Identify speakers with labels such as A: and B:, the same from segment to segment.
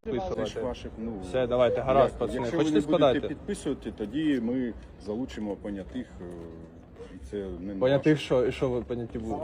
A: підписувати.
B: Ваших,
A: Все, давайте, гаразд, пацани.
B: Якщо
A: Хочете
B: ви не будете
A: складати?
B: підписувати, тоді ми залучимо понятих. І це не
A: Понятих, що ви поняті будете?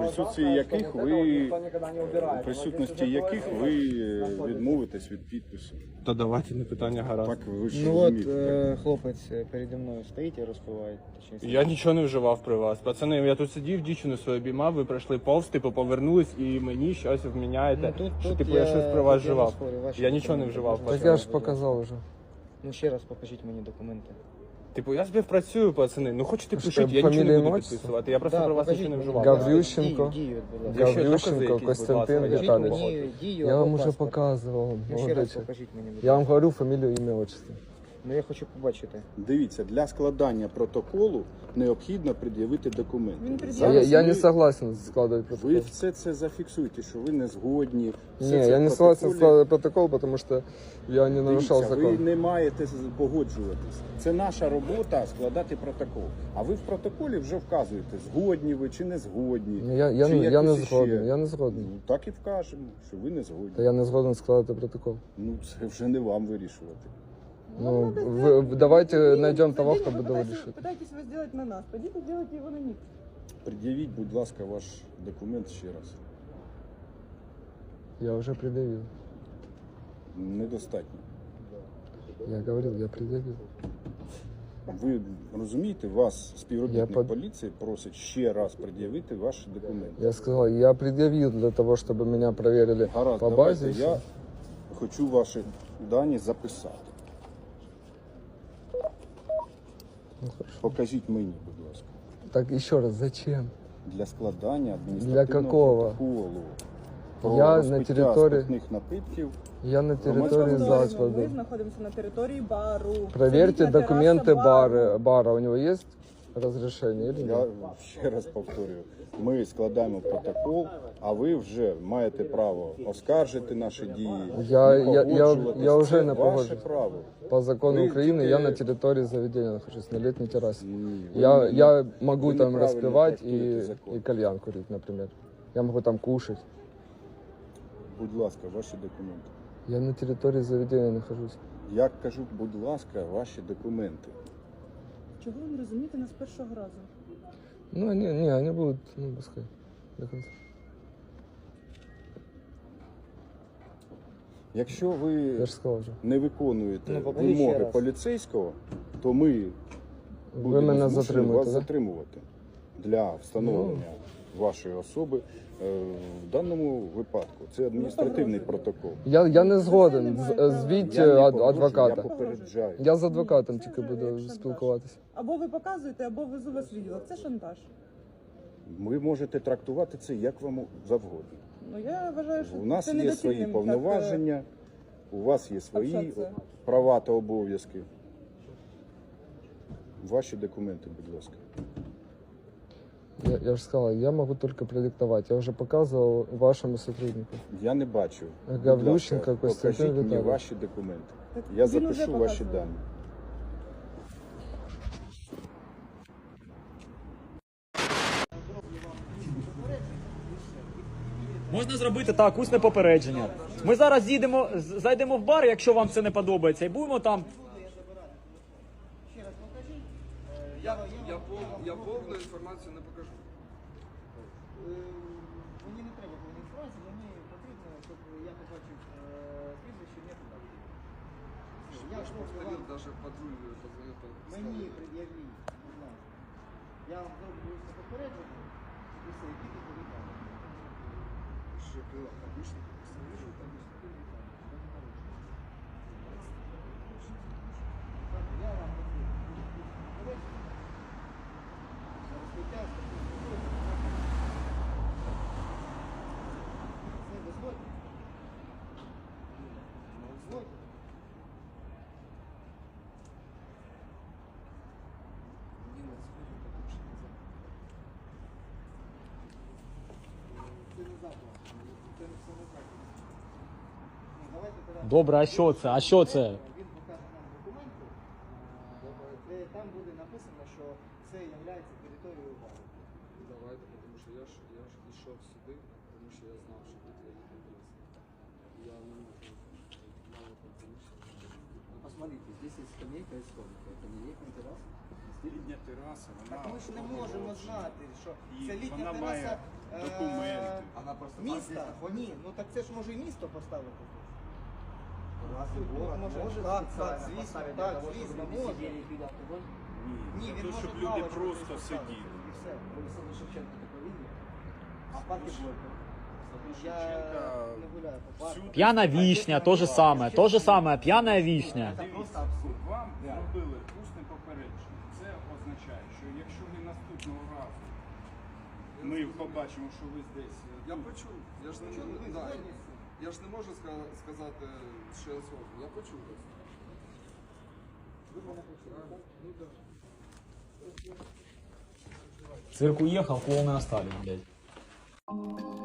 B: у присутності яких ви відмовитесь від підпису.
A: Та давайте, не питання, гаразд.
B: Так ви ж
C: Ну от
B: розумієте.
C: хлопець переді мною стоїть і розпиває.
A: Я нічого не вживав при вас. Пацани, я тут сидів, дівчину свою обіймав, ви пройшли повз, типу, повернулись і мені щось вміняєте, що типу я щось при вас вживав. Я нічого не вживав.
C: Так
A: пацани.
C: я ж показав уже. Ну ще раз покажіть мені документи.
A: Типу, я співпрацюю, пацани. Ну хочете
C: Що,
A: пишіть, я нічого
C: фамілія,
A: не буду
C: отчество?
A: підписувати. Я просто при вас нічого не вживав.
C: Гаврющенко.
A: Якщо докази
C: Гаврющенко
A: якісь, будь
C: Костянтин
A: ласка,
C: Віталійович. Я вам уже показував.
A: Ну,
C: ще раз покажіть мені. Я вам говорю фамілію, ім'я, отчество. Ну я хочу побачити.
B: Дивіться, для складання протоколу необхідно пред'явити документи.
C: Я не согласен складывать протокол.
B: Ви все це зафіксуєте, що ви не згодні.
C: Не, я не согласен складывать протокол, потому что я не нарушал
B: Дивіться, ви
C: закон.
B: не маєте погоджуватись. Це наша робота складати протокол. А ви в протоколі вже вказуєте, згодні ви чи не згодні.
C: Я
B: чи
C: не
B: якось іще.
C: згоден, я не згоден.
B: Ну, так і вкажемо, що ви не згодні.
C: Та я не згоден складати протокол.
B: Ну, це вже не вам вирішувати.
C: Ну, давайте найдем того, кто буде вирішити.
D: Пытайтесь его сделать на нас. Пойдите, делайте его на них.
B: Пред'явіть, будь ласка, ваш документ ще раз.
C: Я вже пред'явив.
B: Недостатньо.
C: Я говорил, я пред'явив.
B: Ви розумієте, вас співробітник
C: Я
B: поліції просить ще раз пред'явити ваші документи.
C: Я сказал, я пред'явил для того, чтобы меня проверили
B: Гаразд,
C: по
B: давайте,
C: базе.
B: я хочу ваші дані записати.
C: Ну, хорошо.
B: Покажіть мені, будь ласка.
C: Так еще раз, зачем?
B: Для складання адміністративного
C: Для какого?
B: протоколу. Про
C: Я на
B: розпиття
C: території-
B: спиртних напитків.
C: Я на территории
B: Громадського
D: Ми
C: закладу.
D: знаходимося на території бару.
C: Проверьте
D: Це літня
C: документы
D: тераса
C: бара. У него есть разрешение или
B: Я
C: нет?
B: ще раз повторюю, ми складаємо протокол, а ви вже маєте право оскаржити наші дії.
C: Я вже
B: Це
C: не
B: ваше
C: погоджуюсь.
B: право.
C: По закону
B: Вы
C: Украины
B: тільки-
C: я на территории заведения нахожусь, на летней террасе.
B: Ні,
C: Я могу
B: ви
C: там
B: неправильно
C: распивать
B: трактуєте закон.
C: и кальян курить, например. Я могу там кушать.
B: Будь ласка, ваші документи.
C: Я на территории заведения нахожусь.
B: Я кажу, будь ласка, ваші документи.
D: Чого ви не розумієте нас з першого разу?
C: Ну, они будут, пускай, до конца.
B: Якщо ви
C: Я же сказал уже.
B: не виконуєте
C: Ну, покажіть ще
B: вимоги
C: раз.
B: поліцейського, то ми
C: Ви
B: будемо
C: мене
B: змушені
C: затримуєте,
B: вас
C: да?
B: затримувати для встановлення вашої особи. В даному випадку це адміністративний протокол.
C: Я не згоден. Звіть
B: Я не погрожую,
C: адвоката.
B: Я попереджаю.
C: Я з адвокатом
D: Це
C: тільки
D: вже
C: буду
D: як шантаж.
C: спілкуватися.
D: Або ви показуєте, або везу вас в відділок. Це шантаж.
B: Ви можете трактувати це як вам завгодно.
D: Ну я вважаю, що
B: У нас
D: це
B: є
D: недоцільним
B: свої
D: так,
B: повноваження, у вас є свої
D: общатися.
B: права та обов'язки. Ваші документи, будь ласка.
C: Я же сказал, я могу только продиктовать. Я уже показывал вашему сотруднику.
B: Я не бачу. Будь
C: Гаврющенко
B: ласка,
C: Костянтин
B: покажіть мені
C: Віталійович.
B: ваші документи.
D: Так
B: Я
D: він уже
B: запишу ваші
D: показував.
B: дані.
E: Можна зробити так, усне попередження. Ми зараз зайдемо в бар, якщо вам це не подобається, і будемо там.
F: Я повну інформацію не покажу.
C: Мені не треба повної інформації, мені потрібно, щоб я побачив прізвище, ім'я по батькові.
F: Я ж повторив, навіть патруль позвонив.
C: Мені пред'явіть, будь ласка. Я вам зроблю попередження, і все, і підете до лікарні.
F: Що пила, обычно.
C: Я вам розпиття, це дозвольте. Дозвольте. Це не заклад. Це не заклад. Ну, давайте тоді.
E: Добре, а що це? А що це?
C: Він покаже нам документи, де там буде написано, що це є територією бару.
F: Давайте, тому що я ж йшов сюди, тому що я знав, що тут є якийсь. Я не можу мало
C: есть скамейка и столик. Это не летний террас?
B: Літня тераса, вона
C: Так ми ж не можемо знати, що
B: І
C: це літня
B: вона
C: тераса
B: має документи.
C: Вона просто міста. Ні, ну так це ж може і місто поставити. Може, так, звісно, може. Ні,
B: Для
C: він
B: того,
C: може
B: щоб люди
C: лавочку
B: просто
C: поставити,
B: сиділи.
C: і все.
G: Саду Шевченко такой видел?
C: А парки Горького? Я
B: Шевченка
C: не гуляю по парку.
B: всюди.
E: П'яна вишня, то же саме, п'яна вишня.
C: Це
B: Дивіться,
C: просто абсурд.
B: вам зробили усне попередження. Це означає, що якщо ви наступного разу ми побачимо, що ви десь
F: Я почув. Я ж не можу, да, я ж не можу сказати ще слово. Я почув вас.
E: Цирк уехал, клоуны остались, блядь.